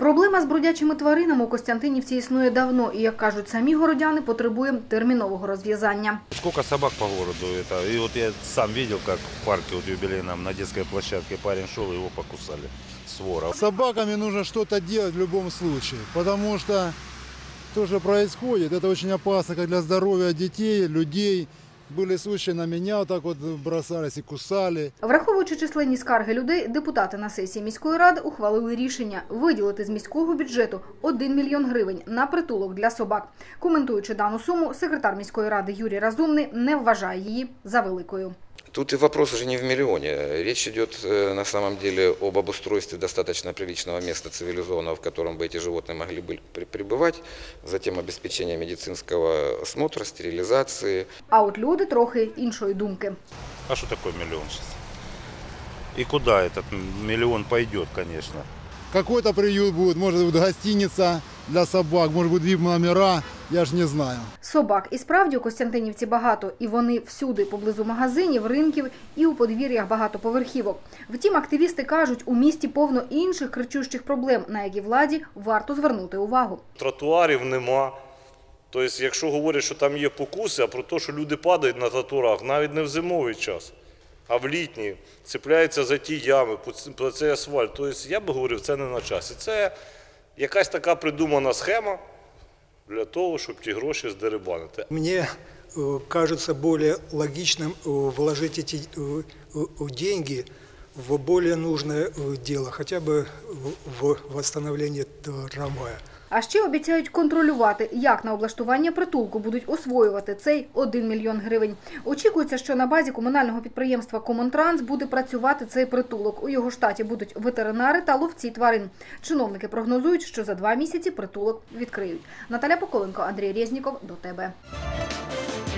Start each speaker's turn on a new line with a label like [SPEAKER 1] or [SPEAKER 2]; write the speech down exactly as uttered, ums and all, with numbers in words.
[SPEAKER 1] Проблема з бродячими тваринами у Костянтинівці існує давно і, як кажуть самі городяни, потребує термінового розв'язання.
[SPEAKER 2] Сколько собак по городу. Это. И вот я сам видел, как в парке вот юбилейном на детской площадке парень шел, его покусали. Свора.
[SPEAKER 3] С собаками нужно что-то делать в любом случае, потому что то, что происходит, это очень опасно как для здоровья детей, людей. Були случаї, на мене отак от бросались і кусали.
[SPEAKER 1] Враховуючи численні скарги людей, депутати на сесії міської ради ухвалили рішення виділити з міського бюджету один мільйон гривень на притулок для собак. Коментуючи дану суму, секретар міської ради Юрій Разумний не вважає її за великою.
[SPEAKER 4] Тут и вопрос уже не в миллионе. Речь идет на самом деле об обустройстве достаточно приличного места цивилизованного, в котором бы эти животные могли бы пребывать, затем обеспечение медицинского осмотра, стерилизации.
[SPEAKER 1] А от люди трохи іншої думки.
[SPEAKER 2] А что такое миллион сейчас? И куда этот миллион пойдет, конечно?
[SPEAKER 3] Какой-то приют будет, может быть гостиница для собак, может быть вип-номера, я ж не знаю.
[SPEAKER 1] Собак і справді у Костянтинівці багато, і вони всюди, поблизу магазинів, ринків і у подвір'ях багатоповерхівок. Втім, активісти кажуть, у місті повно інших кричущих проблем, на які владі варто звернути увагу.
[SPEAKER 5] Тротуарів нема. Тобто, якщо говорять, що там є покуси, а про те, що люди падають на тротуарах, навіть не в зимовий час, а в літній, цепляються за ті ями, по цей асфальт. Тобто, я би говорив, це не на часі. Це якась така придумана схема для того, щоб ті гроші здерибанити.
[SPEAKER 6] Мені кажется более логичным вложить эти деньги в более нужное дело, хотя бы в восстановление трамвая.
[SPEAKER 1] А ще обіцяють контролювати, як на облаштування притулку будуть освоювати цей один мільйон гривень. Очікується, що на базі комунального підприємства «Комунтранс» буде працювати цей притулок. У його штаті будуть ветеринари та ловці тварин. Чиновники прогнозують, що за два місяці притулок відкриють. Наталя Поколенко, Андрій Резніков. До тебе.